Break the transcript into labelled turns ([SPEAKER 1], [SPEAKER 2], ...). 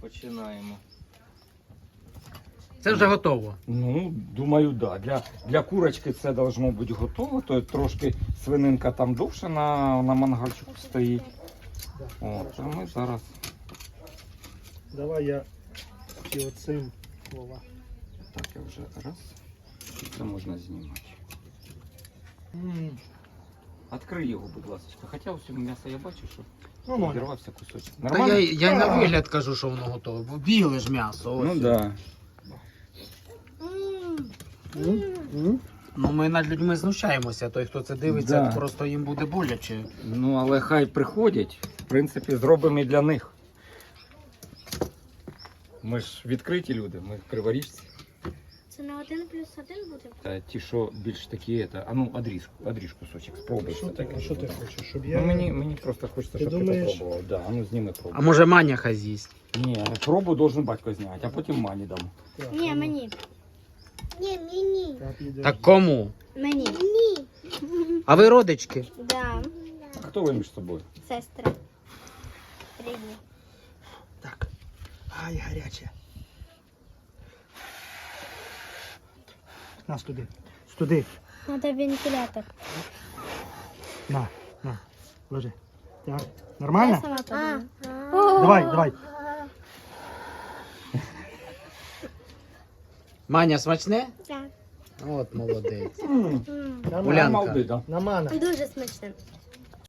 [SPEAKER 1] Починаємо.
[SPEAKER 2] Це вже готово.
[SPEAKER 3] Ну, думаю, да. Для курочки це должно бути готово. То трошки свининка там довше на мангальчику стоїть. О, а ми зараз.
[SPEAKER 4] Давай я і оцим, Вова.
[SPEAKER 3] Так, я вже раз. Це можна знімати. Відкрий його, будь ласка. Хоча у цьому м'ясо я бачу, що
[SPEAKER 4] Нормально.
[SPEAKER 3] відірвався кусочок.
[SPEAKER 2] Та
[SPEAKER 3] Нормально?
[SPEAKER 2] я й на вигляд кажу, що воно готове. Бо біле ж м'ясо. Ось.
[SPEAKER 3] Ну да.
[SPEAKER 2] Ну ми над людьми знущаємося. Той, хто це дивиться,
[SPEAKER 3] Да.
[SPEAKER 2] просто їм буде боляче.
[SPEAKER 3] Ну, але хай приходять. В принципі, зробимо і для них. Ми ж відкриті люди, ми криворіжці.
[SPEAKER 5] Це на 1+1 буде?
[SPEAKER 3] Та ті, що більш такі, а ну, одріж кусочок, спробуй.
[SPEAKER 4] Що ти хочеш, щоб
[SPEAKER 3] Ну,
[SPEAKER 4] я...
[SPEAKER 3] мені просто хочеться,
[SPEAKER 4] Ти
[SPEAKER 3] щоб
[SPEAKER 4] думаєш?
[SPEAKER 3] ти попробував. Да, а ну зніми пробу.
[SPEAKER 2] А може Маня хай з'їсть?
[SPEAKER 3] Ні, пробу должен батько зняти, а потім мані дам.
[SPEAKER 4] Так,
[SPEAKER 5] Ні,
[SPEAKER 4] ну,
[SPEAKER 5] мені. Ні, мені.
[SPEAKER 4] так, іде.
[SPEAKER 2] Так кому?
[SPEAKER 5] Мені. Ні.
[SPEAKER 2] А ви родички?
[SPEAKER 5] Да,
[SPEAKER 3] А хто ви між собою?
[SPEAKER 5] сестра. Рідні.
[SPEAKER 4] Так. Ай, гаряче. Нас туди. Туди.
[SPEAKER 5] Надо вентилятор.
[SPEAKER 4] На. Ложи. Так.
[SPEAKER 5] Я
[SPEAKER 4] Нормально?
[SPEAKER 5] сама подумаю.
[SPEAKER 4] Давай.
[SPEAKER 2] Маня смачне?
[SPEAKER 5] Так.
[SPEAKER 2] От молодець.
[SPEAKER 4] Нормально.
[SPEAKER 2] Улянка.
[SPEAKER 3] Молоди, да.
[SPEAKER 4] Намана.
[SPEAKER 5] Дуже смачно.